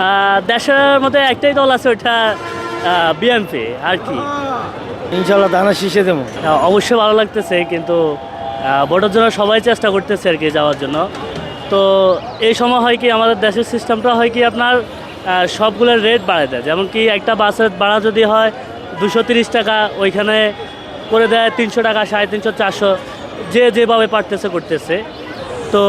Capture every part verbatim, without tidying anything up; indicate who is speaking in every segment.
Speaker 1: আহ, দেশের মধ্যে একটাই দল আছে, ওইটা বিএনপি আর কি।
Speaker 2: ইনশাল্লাহ ধানের শীষে দেবো।
Speaker 1: আহ, অবশ্যই ভালো লাগতেছে, কিন্তু আহ, ভোটের জন্য সবাই চেষ্টা করতেছে আর কি যাওয়ার জন্য। তো এই সময় হয় কি আমাদের দেশের সিস্টেমটা হয় কি আপনার আহ, সবগুলোর রেট বাড়ায় দেয়। যেমন কি একটা বাসের ভাড়া যদি হয় দুশো তিরিশ টাকা, ওইখানে করে দেয় তিনশো টাকা, সাড়ে তিনশো, চারশো, যে যেভাবে পারতেছে করতেছে। তো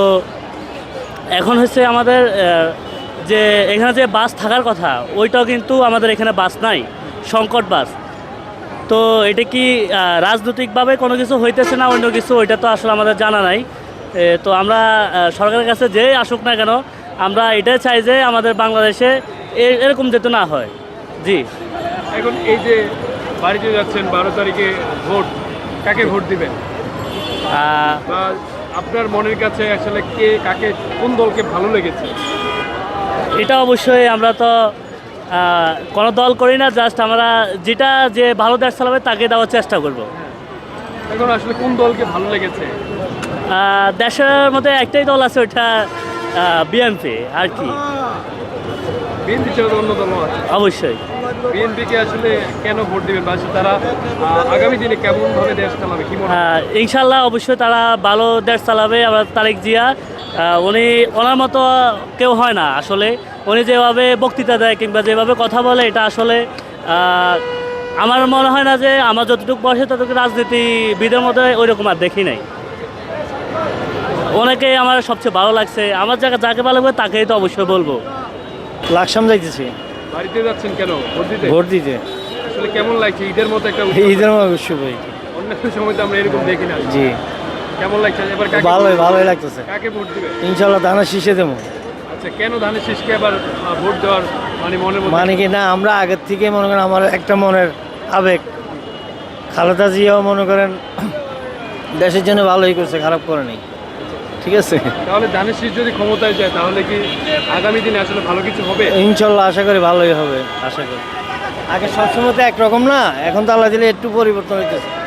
Speaker 1: এখন হচ্ছে আমাদের আহ, যে এখানে যে বাস থাকার কথা, ওইটাও কিন্তু আমাদের এখানে বাস নাই, সংকট বাস। তো এটা কি আহ, রাজনৈতিকভাবে কোনো কিছু হইতেছে না অন্য কিছু, ওইটা তো আসলে আমাদের জানা নাই। এ, তো আমরা আহ, সরকারের কাছে যে আসুক না কেন, আমরা এটাই চাই যে আমাদের বাংলাদেশে এ- এরকম যেতে না হয়। জি।
Speaker 3: এখন এই যে বাড়িতে যাচ্ছেন বারো তারিখে ভোট, কাকে ভোট দিবেন?
Speaker 1: আহ,
Speaker 3: বা আপনার মনের কাছে আসলে কে কাকে কোন দলকে ভালো লেগেছে?
Speaker 1: এটা অবশ্যই আমরা তো আহ, কোনো দল করি না, জাস্ট আমরা যেটা যে ভালো দেশ চালাবে তাকে দেওয়ার চেষ্টা করব।
Speaker 3: এখন আসলে কোন দলকে ভালো লেগেছে?
Speaker 1: আহ, দেশের মধ্যে একটাই দল আছে, ওইটা বিএনপি আর কি।
Speaker 3: বিএনপি ছাড়া অন্য দল আছে?
Speaker 1: অবশ্যই।
Speaker 3: বিএনপিকে আসলে কেন ভোট দিবেন, বা তারা আহ, আগামী দিনে কেমন ভাবে দেশ চালাবে কি মনে হয়?
Speaker 1: হ্যাঁ, ইনশাল্লাহ অবশ্যই তারা ভালো দেশ চালাবে। আবার তারেক জিয়া, আহ, উনি ওনার মতো কেউ হয় না আসলে। উনি যেভাবে বক্তৃতা দেয় কিংবা যেভাবে কথা বলে, এটা আসলে আহ, আমার মনে হয় না যে আমার যতটুকু বয়সে ততটুকু রাজনীতিবিদের মধ্যে ওই রকম আর দেখি নাই। ওনাকে আমার সবচেয়ে ভালো লাগছে। আমার জায়গা যাকে ভালো লাগবে তাকেই তো অবশ্যই বলবো।
Speaker 2: লাকসাম যাইতেছি
Speaker 3: বাড়িতে যাচ্ছেন কেন ভোট দিতে?
Speaker 2: ভোট দিতে।
Speaker 3: আসলে কেমন লাগছে ঈদের মতো একটা
Speaker 2: এই ঈদের অবশ্যই ভাই।
Speaker 3: অন্যান্য সময় তো আমরা এরকম দেখি না।
Speaker 2: জি,
Speaker 3: কেমন লাগছে এবার? কাকে
Speaker 2: ভালোই ভালোই লাগতেছে।
Speaker 3: কাকে ভোট দিবে?
Speaker 2: ইনশাল্লাহ ধানের শীষে দেবো।
Speaker 3: আচ্ছা, কেন ধানের শীষকে আবার আহ, ভোট দেওয়ার মানে মনের মধ্যে?
Speaker 2: মানে কি না, আমরা আগের থেকে মনে করেন আমার একটা মনের আবেগ, খালেদা জিয়াও মনে করেন দেশের জন্য ভালোই করছে, খারাপ করে নাই। ঠিক আছে,
Speaker 3: তাহলে ধানের শীষ যদি ক্ষমতায় যায় তাহলে কি আগামী দিনে আসলে ভালো কিছু হবে?
Speaker 2: ইনশাল্লাহ আশা করি ভালোই হবে, আশা করি। আগে সবসময় তো একরকম না, এখন তো আল্লাহ দিলে একটু পরিবর্তন হইতেছে।